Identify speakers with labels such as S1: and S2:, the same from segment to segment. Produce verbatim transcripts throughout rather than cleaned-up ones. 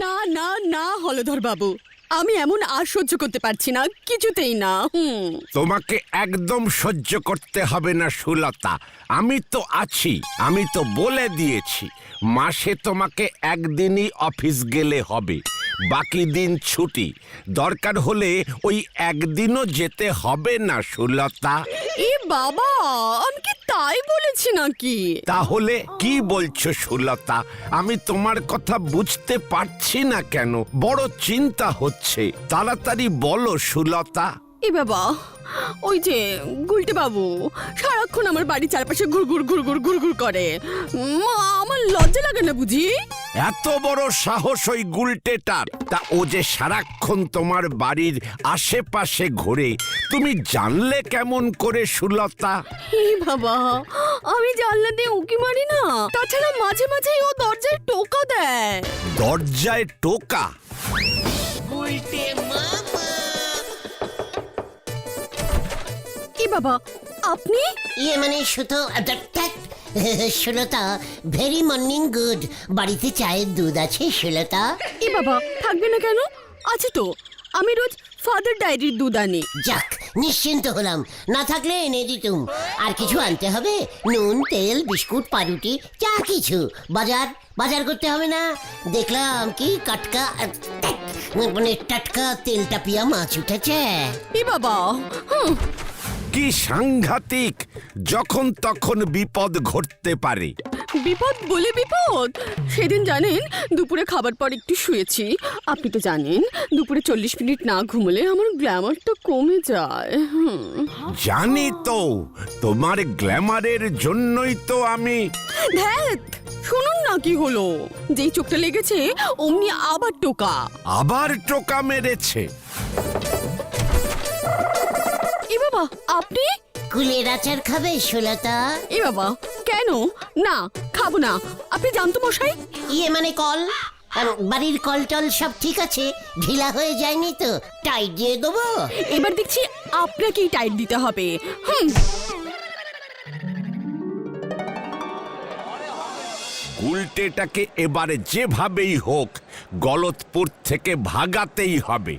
S1: না না না হলধর বাবু, আমি এমন আর সহ্য করতে পারছি না, কিছুতেই না। হুম
S2: তোমাকে একদম সহ্য করতে হবে না সুলতা, আমি তো আছি। আমি তো বলে দিয়েছি মাসে তোমাকে একদিনই অফিস গেলে হবে, বাকি দিন ছুটি। দরকার হলে ওই একদিনও যেতে হবে না সুলতা।
S1: এ বাবা, আমি কি তাই বলেছি নাকি?
S2: তাহলে কি বলছো সুলতা? আমি তোমার কথা বুঝতে পারছি না কেন, বড় চিন্তা হচ্ছে। তাড়াতাড়ি বলো সুলতা।
S1: এ বাবা, ওই যে গুলটে বাবু সারাক্ষণ আমার বাড়ি চারপাশে ঘুরঘুর ঘুরঘুর ঘুরঘুর করে। উম, আমার লজ্জা লাগে না বুঝি?
S2: এত বড় সাহস ওই গুলটেটার! তা ও যে সারাক্ষণ তোমার বাড়ির আশেপাশে ঘোরে, তুমি জানলে কেমন করে সুলতা?
S1: হে বাবা, আমি জানলা দিয়ে উঁকি মারি না। তাছাড়া মাঝে মাঝেই ও দরজায় টোকা দেয়।
S2: দরজায় টোকা?
S1: এ বাবা, আপনি?
S3: ইয়ে মানে শুধু সুলতা, ভেরি মর্নিং গুড। বাড়িতে চায়ের দুধ আছে সুলতা?
S1: এ বাবা, থাকবে না কেন? আছে তো, আমি রোজ ফাদার ডায়েরির দুধ আনি।
S3: যাক, নিশ্চিন্ত হলাম। না থাকলে এনে দিতুম। আর কিছু আনতে হবে? নুন, তেল, বিস্কুট, পাউরুটি, যা কিছু। বাজার বাজার করতে হবে না? দেখলাম কি কাটকা মানে টাটকা তেলটা পিয়া মাছ উঠেছে।
S1: এ বাবা, হুম
S2: কি সাংঘাতিক! যখন তখন বিপদ ঘটতে পারে।
S1: বিপদ বলে বিপদ? সেদিন জানেন, দুপুরে খাবার পর একটু শুয়েছি। আপনি তো জানেন দুপুরে চল্লিশ মিনিট না ঘুমলে আমার গ্ল্যামারটা কমে যায়। হুম
S2: জানি তো, তোমার গ্ল্যামারের জন্যই তো আমি।
S1: ধ্যাত, শুনুন না কি হলো। যেই চোখটা লেগেছে অমনি আবার টোকা।
S2: আবার টোকা মেরেছে?
S1: এ বাবা, আপনি?
S3: কুলের আচার খাবে সুলতা?
S1: এ বাবা, কেন? না, খাবো না। আপনি জানতো মশাই?
S3: ইয়ে মানে কল, আর বাড়ির কল টল সব ঠিক আছে? ঢিলা হয়ে যায়নি তো? টাইট দিয়ে দেবো?
S1: এবার দেখছি আপনাকেই টাইট দিতে হবে। হুম
S2: উল্টেটাকে এবারে যেভাবেই হোক গলতপুর থেকে ভাগাতেই হবে।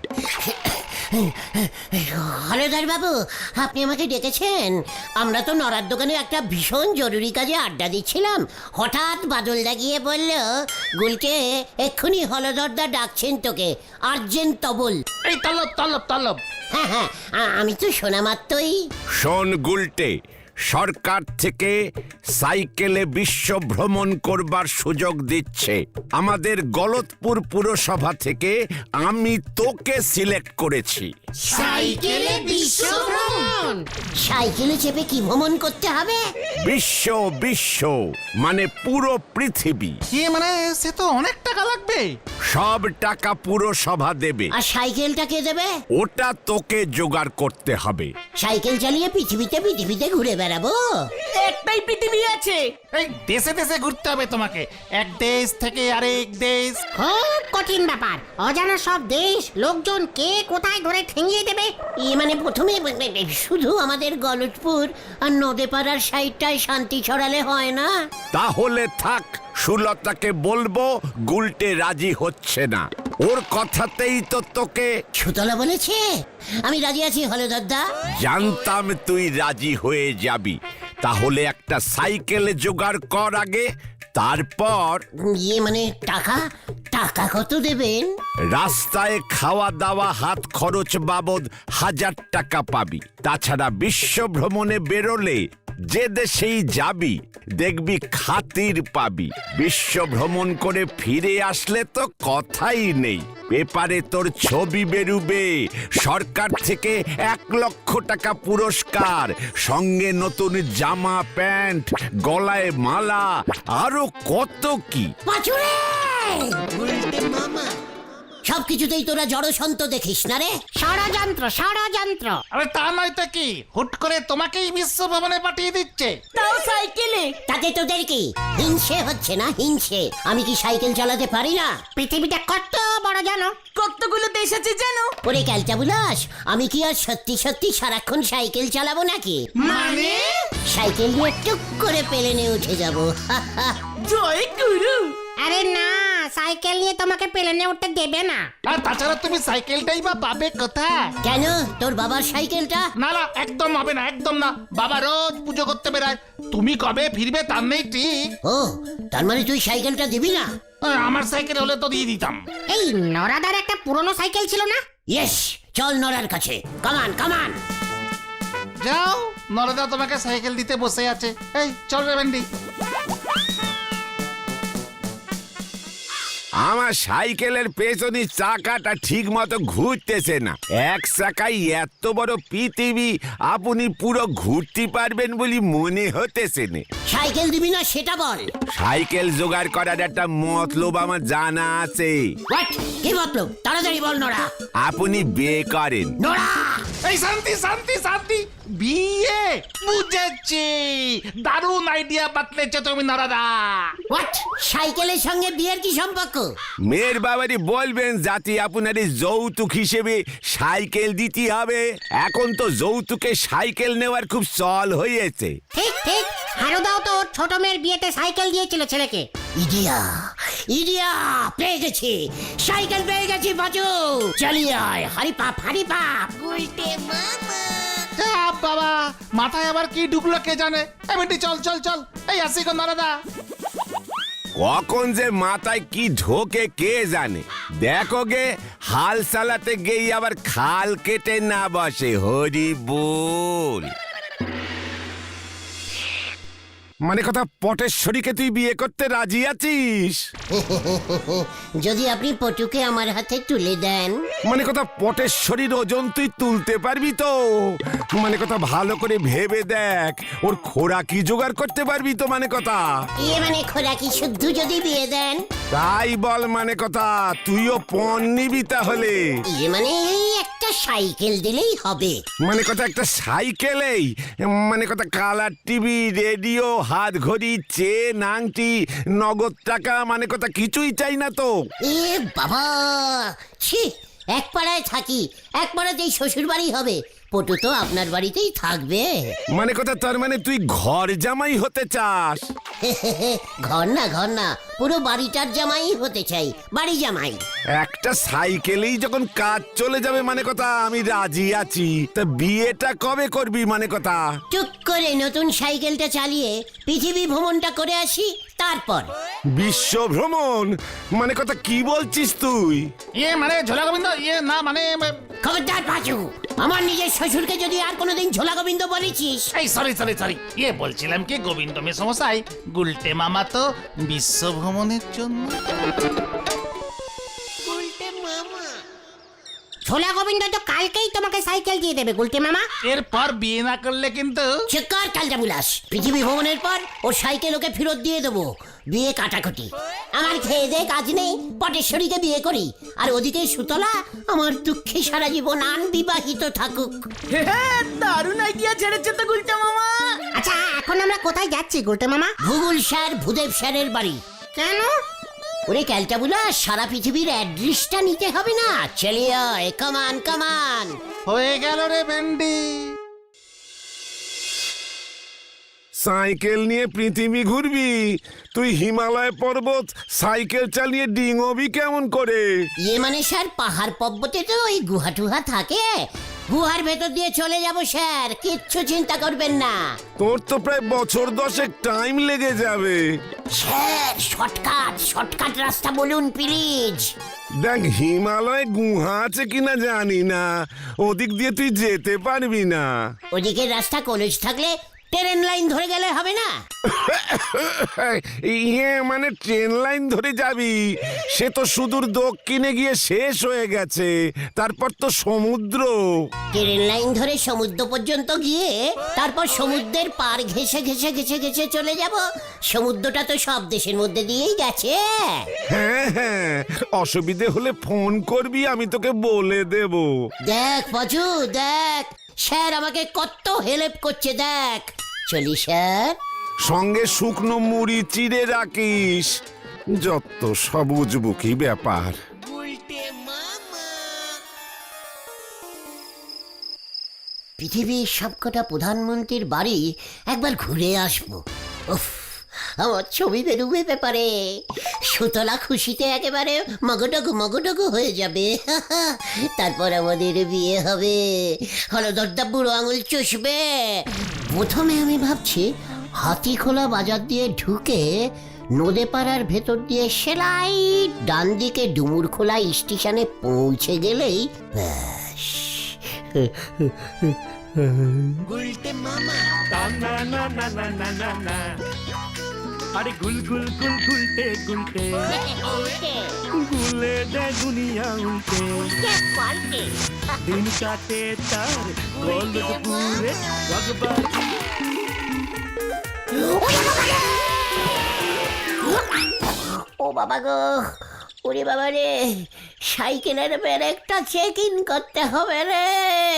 S3: হলধর বাবু, আপনি আমাকে ডেকেছেন? আমরা তো নড়ার দোকানে একটা ভীষণ জরুরি কাজে আড্ডা দিচ্ছিলাম। হঠাৎ বাদলদা গিয়ে বলল, গুলকে এক্ষুনি হলধরদা ডাকছেন তোকে, আর্জেন্ট তবল।
S4: এই তলব তলব তলব।
S3: হ্যাঁ হ্যাঁ, আ- আমি তো শোনা মাত্রই।
S2: শোন গুলটে, সরকার থেকে সাইকেলে বিশ্ব ভ্রমণ করবার সুযোগ দিচ্ছে। আমাদের গলতপুর পুরসভা থেকে আমি তোকে সিলেক্ট করেছি।
S4: সাইকেলে বিশ্ব ভ্রমণ?
S3: সাইকেলে চেপে কি ভ্রমণ করতে হবে?
S2: বিশ্ব বিশ্ব মানে পুরো পৃথিবী।
S4: কি মানে, সে তো অনেক টাকা লাগবে।
S2: সব টাকা পুরসভা দেবে।
S3: আর সাইকেলটা কে দেবে?
S2: ওটা তোকে জোগাড় করতে হবে।
S3: সাইকেল চালিয়ে পৃথিবীতে পৃথিবীতে ঘুরে বেড়াবো?
S5: একটাই পৃথিবী আছে।
S4: এই দেশে দেশে ঘুরতে হবে তোমাকে, এক দেশ থেকে আরেক দেশ।
S6: খুব কঠিন ব্যাপার। অজানা সব দেশ, লোকজন কে কোথায় ধরে ঠেঙিয়ে দেবে।
S3: ই মানে প্রথমে শুধু আমাদের গলতপুর আর নদেপাড়ার সাইডটায় শান্তি ছড়ালে হয় না?
S2: তাহলে থাক, সুলতাকে বলবো গুলটে রাজি হচ্ছে না। ওর কথাতেই তো তোকে।
S3: সুতলা বলেছে? আমি রাজি আছি হলধরদা।
S2: জানতাম তুই রাজি হয়ে যাবি। তাহলে একটা সাইকেলে জোগাড় কর আগে, তারপর।
S3: ইয়ে মানে টাকা? টাকা কত দেবেন?
S2: রাস্তায় খাওয়া দাওয়া হাত খরচ বাবদ হাজার টাকা পাবি। তাছাড়া বিশ্ব ভ্রমণে বেরোলে যে দেশেই যাবি দেখবি খাতির পাবি। বিশ্ব ভ্রমণ করে ফিরে আসলে তো কথাই নেই, পেপারে তোর ছবি বেরুবে। সরকার থেকে এক লক্ষ টাকা পুরস্কার, সঙ্গে নতুন জামা প্যান্ট, গলায় মালা, আরো কত কি।
S3: পাচুরে! সবকিছুতেই তোরা জড়সন্ত দেখিস না রে?
S6: ষড়যন্ত্র ষড়যন্ত্র।
S4: আরে তা নয় তো কি, হুট করে তোমাকেই বিশ্ব ভ্রমণে পাঠিয়ে দিচ্ছে।
S5: তাও সাইকেলে।
S3: তাতে তোদের কি হিংসে হচ্ছে না? হিংসে? আমি কি সাইকেল চালাতে পারি না?
S6: পৃথিবীটা কত বড় জানো?
S5: কতগুলো দেশ আছে জানো?
S3: ওরে ক্যালটা বুলাস, আমি কি আর সত্যি সত্যি সারাক্ষণ সাইকেল চালাবো নাকি?
S5: মানে
S3: সাইকেল নিয়ে টুক করে পেলেনে উঠে যাবো।
S5: জয় গুরু।
S6: আরে না, সাইকেল নিয়ে তোমাকে প্লেনে উঠতে দেবে না।
S4: আর তাছাড়া তুমি সাইকেলটাই বা পাবে কোথায়?
S3: কেন তোর বাবার সাইকেলটা?
S4: না না, একদম হবে না, একদম না। বাবা রোজ পুজো করতে বেড়ায়, তুমি কবে ফিরবে তার নেই ঠিক।
S3: ও তার মানে তুই সাইকেলটা দিবি না?
S4: আহ, আমার সাইকেল হলে তো দিয়ে দিতাম।
S6: এই নরাদার একটা পুরনো সাইকেল ছিল না?
S3: ইয়েস, চল নড়ার কাছে, কামান কামান।
S4: যাও, নরদা তোমাকে সাইকেল দিতে বসে আছে। এই চল রে ভেন্ডি।
S2: আমার সাইকেলের পেছনে চাকাটা ঠিক মতো ঘুরতেছে না। এক চাকায় এত বড় পৃথিবী আপনি পুরো ঘুরতে পারবেন বলে মনে হতেছে না।
S3: সাইকেল দিবি না সেটা বল।
S2: সাইকেল জোগাড় করার একটা মতলব আমার জানা আছে।
S3: হোয়াট? কি মতলব? তাড়াতাড়ি বল নোরা।
S2: আপনি বিয়ে করেন।
S3: নোরা!
S4: এই শান্তি শান্তি শান্তি, বিয়ে বুঝেছি। দারুণ আইডিয়া বাতলেছো তুমি নরদা।
S3: হোয়াট? সাইকেলের সঙ্গে বিয়ের কি সম্পর্ক?
S2: মেয়ের বাবারি বলবেন যাতে আপনার এই যৌতুক হিসেবে সাইকেল দিতে হবে। এখন তো যৌতুকে সাইকেল নেওয়ার খুব চল হয়েছে।
S6: ঠিক ঠিক, হারুদাও তো ওর ছোট মেয়ের বিয়েতে সাইকেল দিয়েছিল ছেলেকে।
S3: ইডিয়া ইডিয়া, পেয়ে গেছি, সাইকেল পেয়ে গেছি বাজু। চালিয়ে আয়, হারি পাপ হারি পাপ।
S4: যা বাবা, মাথায় আবার কি ঢুকলো কে জানে। এই ভেন্ডি চল চল চল, এই আসি গো নরদা।
S2: কখন যে মাথায় কি ঢোকে কে জানে। দেখো গে, হাল চালাতে গিয়ে আবার খাল কেটে না বসে। হরি বল। মানে কথা, পটেশ্বরীকে তুই বিয়ে করতে রাজি আছিস?
S3: যদি আপনি পটুকে আমার হাতে তুলে দেন।
S2: মানে কথা, পটেশ্বরীর ওজন তুই তুলতে পারবি তো? মানে কথা, ভালো করে ভেবে দেখ, ওর খোরাকি জোগাড় করতে পারবি তো? মানে কথা,
S3: ইয়ে মানে খোরাকি শুদ্ধ যদি বিয়ে দেন।
S2: তাই বল। মানে কথা, তুইও পণ নিবি তাহলে?
S3: ইয়ে মানে এই একটা সাইকেল দিলেই হবে।
S2: মানে কথা, একটা সাইকেলেই? মানে কথা, কালার টিভি, রেডিও, হাত ঘড়ি, চেন, আংটি, নগদ টাকা, মানে কথা কিছুই চাই না তো?
S3: এ বাবা, ছি, এক পাড়ায় থাকি, এক পাড়াতেই শ্বশুর বাড়ি হবে। পটু তো আপনার বাড়িতেই থাকবে।
S2: মানে কথা, তার মানে তুই ঘর জামাই হতে চাস?
S3: ঘর না ঘর না, পুরো বাড়িটার জামাই হতে চাই, বাড়ি জামাই।
S2: একটা সাইকেলেই যখন কাজ চলে যাবে, মানে কথা আমি রাজি আছি। তা বিয়েটা কবে করবি? মানে কথা,
S3: টুক করে নতুন সাইকেলটা চালিয়ে পৃথিবী ভ্রমণটা করে আসি, তারপর।
S2: বিশ্ব ভ্রমণ? মানে কথা কি বলছিস তুই?
S4: ইয়ে মানে ঝোলা গোবিন্দ, ইয়ে না মানে।
S3: খবরদার পাচু, আমার নিজের শ্বশুরকে যদি আর কোনোদিন ঝোলা গোবিন্দ বলেছিস।
S4: এই সরি সরি সরি, ইয়ে বলছিলাম কি গোবিন্দ মেসমশাই, গুলটে মামা তো বিশ্ব ভ্রমণের জন্য।
S6: ছোলা গোবিন্দ তো কালকেই তোমাকে সাইকেল দিয়ে দেবে গুলটে মামা।
S4: এরপর বিয়ে না করলে কিন্তু।
S3: চেকার কালটা বুলাস, পৃথিবী ভ্রমণের পর ওর সাইকেল ওকে ফেরত দিয়ে দেবো। বিয়ে কাটাকুটি, আমার খেয়ে দে কাজ নেই, পটেশ্বরীকে বিয়ে করি। আর ওদিকে সুতলা আমার দুঃখে সারা জীবন আনবিবাহিত থাকুক।
S5: হ্যাঁ, দারুণ আইডিয়া ছেড়েছে তো গুলটা মামা।
S6: আচ্ছা, এখন আমরা কোথায় যাচ্ছি গুলটে মামা?
S3: ভূগোল স্যার ভূদেব স্যারের বাড়ি।
S6: কেন?
S3: ওরে ক্যালটা বুলাস, সারা পৃথিবীর অ্যাড্রেসটা নিতে হবে না? চলিয়ে আয়, কামান কামান।
S4: হয়ে গেল রে ভেন্ডি।
S2: সাইকেল নিয়ে পৃথিবী ঘুরবি? তুই হিমালয় পর্বত সাইকেল চালিয়ে ডিঙবি কেমন করে?
S3: ইয়ে মানে স্যার, পাহাড় পর্বতে তো ওই গুহা টুহা থাকে, গুহার ভেতর দিয়ে চলে যাব স্যার, কিচ্ছু চিন্তা করবেন না।
S2: তোর তো প্রায় বছর দশেক টাইম লেগে যাবে।
S3: স্যার শর্টকাট, শর্টকাট রাস্তা বলুন প্লিজ।
S2: দেখ, হিমালয় গুহা আছে কিনা জানি না, ওদিক দিয়ে তুই যেতে পারবি না।
S3: ওদিকের রাস্তা কলেজ থাকলে ট্রেন লাইন ধরে গেলে হবে না?
S2: ইয়ে মানে ট্রেন লাইন ধরে যাবি, সে তো সুদূর দক্ষিণে গিয়ে শেষ হয়ে গেছে, তারপর তো সমুদ্র।
S3: ট্রেন লাইন ধরে সমুদ্র পর্যন্ত গিয়ে তারপর সমুদ্রের পার ঘেসে ঘেসে ঘেসে ঘেসে চলে যাব। সমুদ্রটা তো সব দেশের মধ্যে দিয়েই গেছে।
S2: হ্যাঁ হ্যাঁ, অসুবিধে হলে ফোন করবি, আমি তোকে বলে দেব।
S3: দেখ পাচু দেখ, স্যার আমাকে কত হেল্প করছে দেখ। চলি স্যার।
S2: সঙ্গে শুকনো মুড়ি চিড়ে রাখিস। যত সবুজ বুকি ব্যাপার।
S3: পৃথিবীর সবকটা প্রধানমন্ত্রীর বাড়ি একবার ঘুরে আসবো। উফ, আমার ছবি বেরোবে পেপারে। সুতলা খুশিতে একেবারে মগডগ মগডগ হয়ে যাবে। তারপর আমাদের বিয়ে হবে, হলদরদা বুড়ো আঙুল চষবে। প্রথমে আমি ভাবছি হাতি খোলা বাজার দিয়ে ঢুকে নদে পাড়ার ভেতর দিয়ে সেলাই ডান দিকে ডুমুর খোলা স্টেশনে পৌঁছে গেলেই ব্যাস।
S7: আরে গুল গুল গুল গুলটে গুলটে গুলে দে দুনিয়া উল্টে দিন কাটে তার গোলপুরে রগবাজি।
S3: ও বাবা গো, ওরে বাবা রে, সাইকেলের ব্রেকটা চেক ইন করতে হবে রে।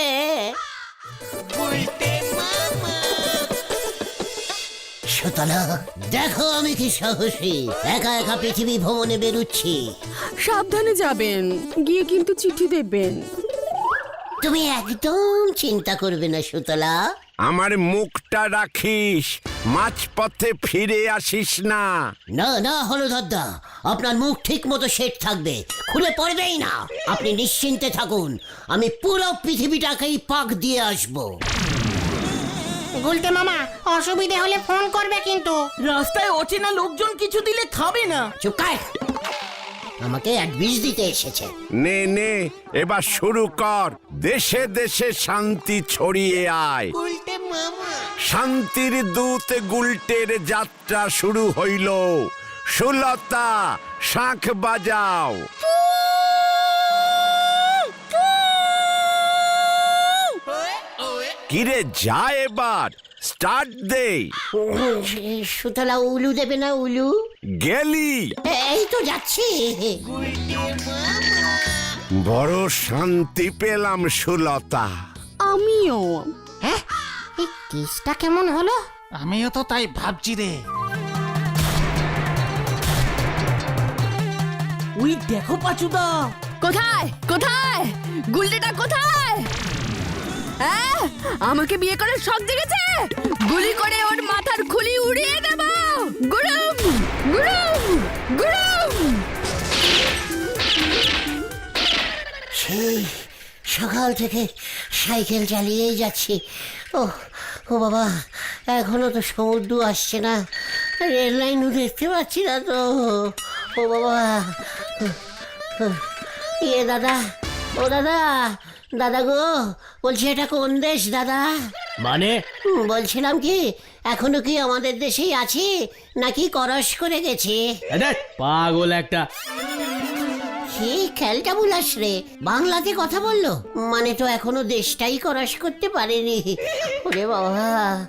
S3: সুতলা দেখো আমি কি সাহসী, একা একা পৃথিবী ভ্রমণে বেরুচ্ছি।
S1: সাবধানে যাবেন, গিয়ে কিন্তু চিঠি দেবেন।
S3: তুমি একদম চিন্তা করবে না সুতলা।
S2: আমার মুখটা রাখিস, মাঝপথে ফিরে আসিস না।
S3: না না হলদরদা, আপনার মুখ ঠিক মতো সেট থাকবে, খুলে পড়বেই না। আপনি নিশ্চিন্তে থাকুন, আমি পুরো পৃথিবীটাকেই পাক দিয়ে আসবো।
S6: গুলটে মামা অসুবিধে হলে ফোন করবে কিন্তু।
S5: রাস্তায় অচেনা লোকজন কিছু দিলে খাবে না।
S3: চুপ কর, আমাকে অ্যাডভিস দিতে এসেছে।
S2: নে নে এবার শুরু কর, দেশে দেশে শান্তি ছড়িয়ে আয়। শান্তির দূত গুলটের যাত্রা শুরু হইল। সুলতা শাঁখ বাজাও। কিরে যা এবার স্টার্ট দে।
S3: সুতলা উলু দেবে না উলু?
S2: গেলি?
S3: এই তো যাচ্ছি।
S2: বড় শান্তি পেলাম সুলতা।
S1: আমিও।
S6: হ্যাঁ, এই কেসটা কেমন হলো?
S4: আমিও তো তাই ভাবছি রে।
S5: ওই দেখো পাচুদা।
S1: কোথায় কোথায় গুলটেটা কোথায়? হ্যাঁ, আমাকে বিয়ে করার শখ জেগেছে। গুলি করে ওর মাথার খুলি উড়িয়ে দেব। গুরুম গুরুম গুরুম।
S3: সেই সকাল থেকে সাইকেল চালিয়েই যাচ্ছি। ও ও বাবা, এখনো তো সমুদ্র আসছে না, রেল লাইনও দেখতে পাচ্ছি না তো। ও বাবা, ইয়ে দাদা, ও দাদা, দাদা গো, বলছি এটা কোন দেশ দাদা?
S7: মানে
S3: হুম, বলছিলাম কি এখনো কি আমাদের দেশেই আছি নাকি করস করে গেছি?
S7: পাগল একটা।
S3: কি খেলটা বুলাস রে, বাংলাতে কথা বললো মানে তো এখনো দেশটাই করস করতে পারেনি। ওরে বাবা,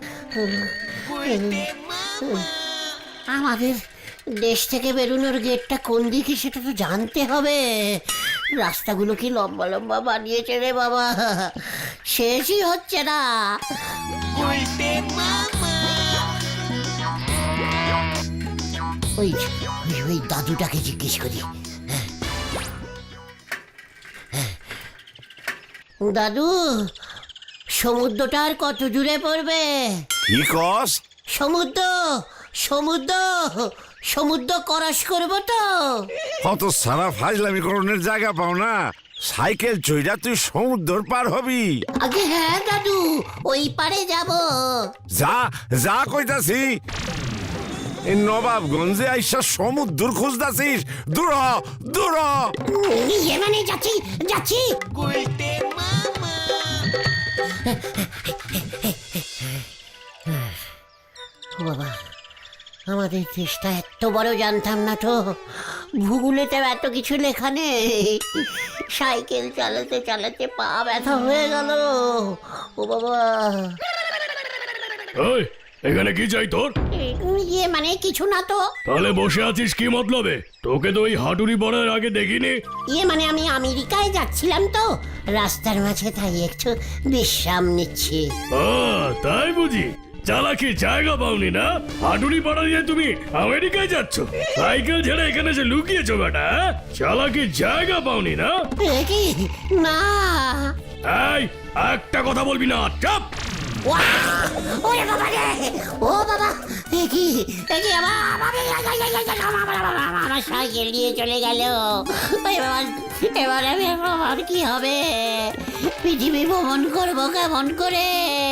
S3: আমাদের দেশ থেকে বেরোনোর গেটটা কোন দিকে সেটা তো জানতে হবে। রাস্তাগুলো কি লম্বা লম্বা বানিয়েছে রে বাবা, শেষই হচ্ছে না। ওই ওই ওই দাদুটাকে জিজ্ঞেস করি। দাদু, সমুদ্রটা আর কত দূরে পড়বে?
S2: কি কস?
S3: সমুদ্র সমুদ্র সমুদ্র ক্রস করবো তো?
S2: কত সারা ফাজলামি করণের জায়গা পাও না, সাইকেল চইরা তুই সমুদ্র পার হবি?
S3: আগে হ্যাঁ দাদু, ওই পারে যাব।
S2: যা যা কইতাছি, এই নবাবগঞ্জে আইসা সমুদ্র খুঁজতাছিস? দূর হ, দূর হ।
S3: ইয়ে মানে যাচ্ছি যাচ্ছি। ও বাবা, আমাদের দেশটা এত বড় জানতাম না তো, ভূগোলেতে এত কিছু লেখা নেই। সাইকেল চালাতে চালাতে পা ব্যথা হয়ে গেল। ও বাবা,
S7: ওই এখানে কি চাই তোর?
S3: ইয়ে মানে কিছু না তো।
S7: তাহলে বসে আছিস কি মতলবে? তোকে তো ওই হাঁটুরি পড়ার আগে দেখিনি।
S3: ইয়ে মানে আমি আমেরিকায় যাচ্ছিলাম তো, রাস্তার মাঝে তাই একটু বিশ্রাম নিচ্ছি।
S7: ও তাই বুঝি, চালাকি জায়গা পাওনি না? হাঁটুরি পাড়া নিয়ে তুমি আমেরিকায় যাচ্ছ, সাইকেল ছেড়ে এখানে এসে লুকিয়েছো বেটা? চালাকি জায়গা পাওনি না?
S3: এ কি না,
S7: এই একটা কথা বলবি না, চাপ।
S3: ওয়া! ওরে বাবা রে! ও বাবা! এ কি? এ কি আমার আমার সাইকেল নিয়ে চলে গেল। এবার এবার আমি আমার কি হবে? পৃথিবী ভ্রমণ করবো কেমন করে?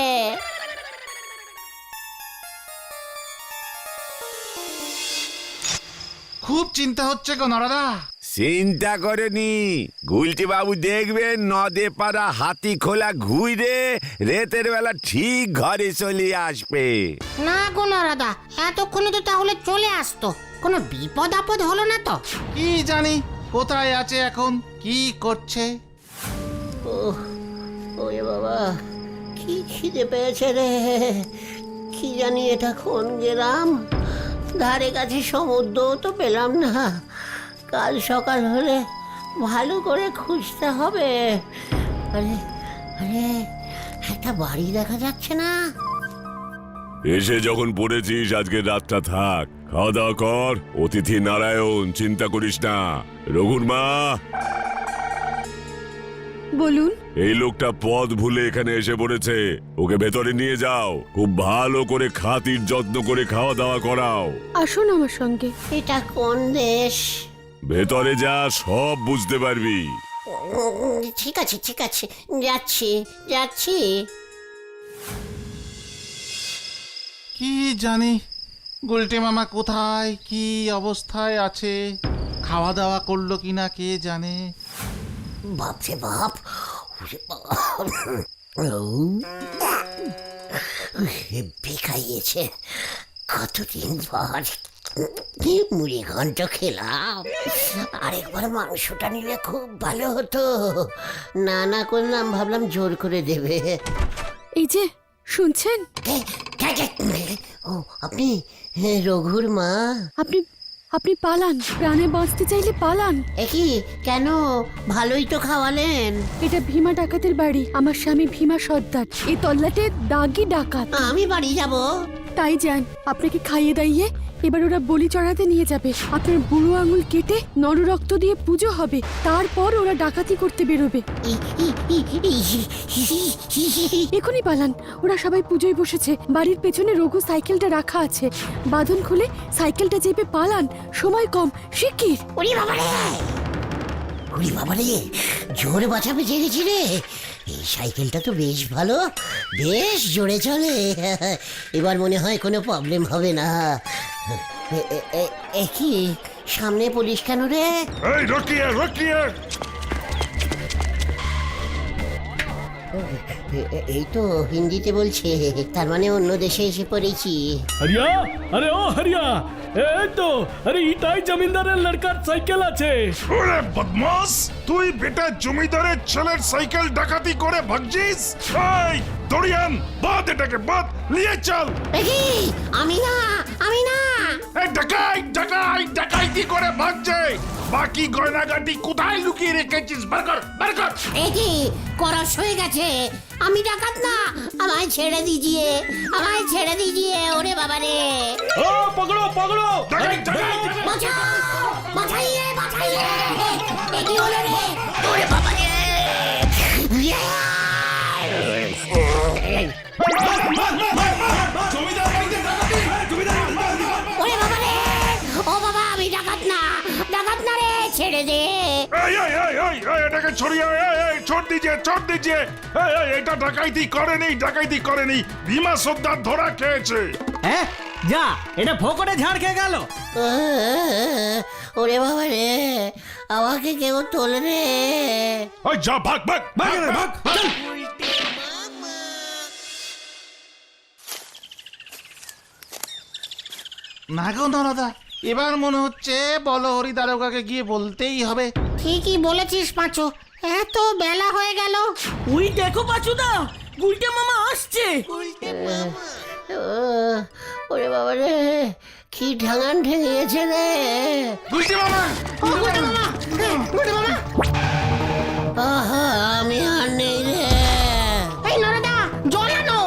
S4: খুব চিন্তা হচ্ছে গো নরদা।
S2: চিন্তা করেনি গুলটি বাবু দেখবেন নদে পাড়া হাতি খোলা ঘুরে রেতের বেলা ঠিক ঘরে চলে আসবে।
S6: না গো নরাদা, এতক্ষণে তো তাহলে চলে আসতো। কোনো বিপদ আপদ হলো না তো?
S4: কি জানি কোথায় আছে এখন, কি করছে।
S3: ওহ, ওরে বাবা, কি খিদে পেয়েছে রে। কি জানি এটা কোন গ্রাম, ধারে কাছে সমুদ্র তো পেলাম না। কাল সকাল হলে ভালো করে খুঁজতে হবে। আরে আরে একটা বাড়ি দেখা যাচ্ছে না।
S8: এসে যখন পড়েছিস আজকে রাতটা থাক, খাওয়া দাওয়া কর। অতিথি নারায়ণ, চিন্তা করিস না। রঘুর মা,
S1: বলুন।
S8: এই লোকটা পথ ভুলে এখানে এসে পড়েছে, ওকে ভেতরে নিয়ে যাও। খুব ভালো করে খাতির যত্ন করে খাওয়া দাওয়া করাও।
S1: আসুন আমার সঙ্গে।
S3: এটা কোন দেশ?
S8: ভেতরে যা, সব বুঝতে পারবি।
S3: উম, ঠিক আছে ঠিক আছে, যাচ্ছি যাচ্ছি।
S4: কি জানি গুলটে মামা কোথায় কি অবস্থায় আছে, খাওয়া দাওয়া করলো কিনা কে জানে।
S3: বাপরে বাপ, ওরে বাবা। হেব্বি খাইয়েছে, কতদিন পর মুড়ি ঘন্ট খেলাম। আরেকবার মাংসটা নিলে খুব ভালো হতো। না না করলাম, ভাবলাম জোর করে দেবে।
S1: এই যে শুনছেন,
S3: কে? কে, কে? ও আপনি রঘুর মা?
S1: আপনি আপনি পালান, প্রাণে বাঁচতে চাইলে পালান।
S3: একই কেন? ভালোই তো খাওয়ালেন।
S1: এটা ভীমা ডাকাতের বাড়ি। আমার স্বামী ভীমা সর্দার এই তল্লাটে দাগি ডাকাত।
S3: আমি বাড়ি যাব।
S1: তাই যান, আপনাকে খাইয়ে দাইয়ে এবার ওরা বলি চড়াতে নিয়ে যাবে। আপনার বুড়ো আঙুল কেটে নররক্ত দিয়ে পুজো হবে, তারপর ওরা ডাকাতি করতে বেরোবে। এখনই পালান, ওরা সবাই পুজোয় বসেছে। বাড়ির পেছনে রঘু সাইকেলটা রাখা আছে, বাঁধন খুলে সাইকেলটা চেপে পালান, সময় কম, শিগগির।
S3: ওরে বাবা রে, ওরে বাবা রে, জোর বাঁচাবে জেগেছি রে। এই সাইকেলটা তো বেশ ভালো, বেশ জোরে চলে। এবার মনে হয় কোনো প্রবলেম হবে না। এ- এ- এ- এ কি সামনে পুলিশ কেন রে?
S8: এই রকিয়ে রকিয়ে,
S3: এ- এ- এই তো হিন্দিতে বলছে, তার মানে অন্য দেশে এসে পড়েছি।
S7: হরিয়া, আরে ও হরিয়া, এই তো, আরে ইটাই জমিদারের লড়কার সাইকেল আছে।
S8: ওরে বদমাস, তুই বেটা জমিদারের ছেলের সাইকেল ডাকাতি করে ভাগছিস? এই দড়িয়ান, বাদ এটাকে, বাদ, নিয়ে চল।
S3: এ কি? আমি না, আমি না।
S8: এই ডাকাই ডাকাই ডাকাইতি করে ভাগছে। বাকি গয়নাগাটি কোথায় লুকিয়ে রেখেছিস? বার কর, বার কর।
S3: এ কি করস হয়ে গেছে? আমি ডাকাত না, আমায় ছেড়ে দিজিয়ে, আমায় ছেড়ে দিজিয়ে। ওরে বাবা রে,
S7: ও পকড়ো পকড়ো,
S8: ডাকাই ডাকাই।
S3: বাঁচাও, বাঁচাইয়ে, বাঁচাইয়ে। এ কি হলো রে? ওরে বাবা রে। ওরে বাবা রে, ও বাবা, আমি ডাকাত না, ডাকাত না রে, ছেড়ে দে।
S8: এই এই এই এই এই এটাকে ছড়িয়ে, এই এই ছোট দিজিয়ে, ছোট দিজিয়ে। এই এই এটা ডাকাইতি করেনি, ডাকাইতি করেনি। ভীমা সর্দার ধরা খেয়েছে।
S5: হ্যাঁ যা, এটা ফোকরে ঝাড় খেয়ে গেল।
S3: ওরে বাবা রে, আমাকে কেউ তোলে রে।
S8: ওই যা, ভাগ ভাগ ভাগ ভাগ ভাগ।
S4: না গো নরদা, এবার মনে হচ্ছে বলো হরি দারোগাকে গিয়ে বলতেই হবে।
S6: ঠিকই বলেছিস পাঁচু, এত বেলা হয়ে গেল।
S5: ওই দেখো পাচুদা, গুলটে মামা আসছে।
S3: আহ, ওরে বাবা রে, কি ঢাঙান ঠেঙিয়েছে রে।
S4: গুলটে মামা,
S6: ও গুলটে মামা, হ্যাঁ, গুলটে মামা।
S3: আহা, আমি আর নেই রে।
S6: এই নরদা, জল আনো।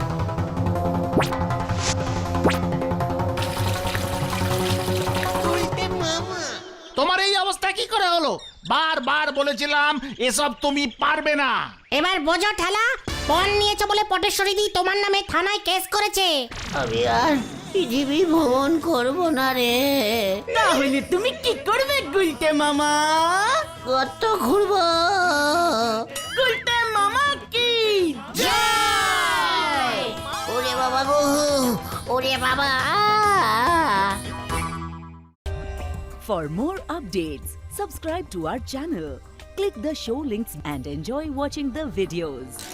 S4: তোমার এই অবস্থা কি করে হলো? বারবার বলেছিলাম এসব তুমি পারবে না।
S6: এবার বোঝো ঠেলা, পণ নিয়েছো বলে পটেশ্বরী দি তোমার নামে থানায় কেস করেছে।
S3: আমি আর পৃথিবী ভ্রমণ করবো না রে।
S5: তাহলে তুমি কি করবে গুলটে মামা?
S3: কত ঘুরবো।
S5: গুলটে মামা কি
S3: জয়! ওরে বাবা গো, ওরে বাবা।
S9: For more updates, subscribe to our channel, click the show links and enjoy watching the videos.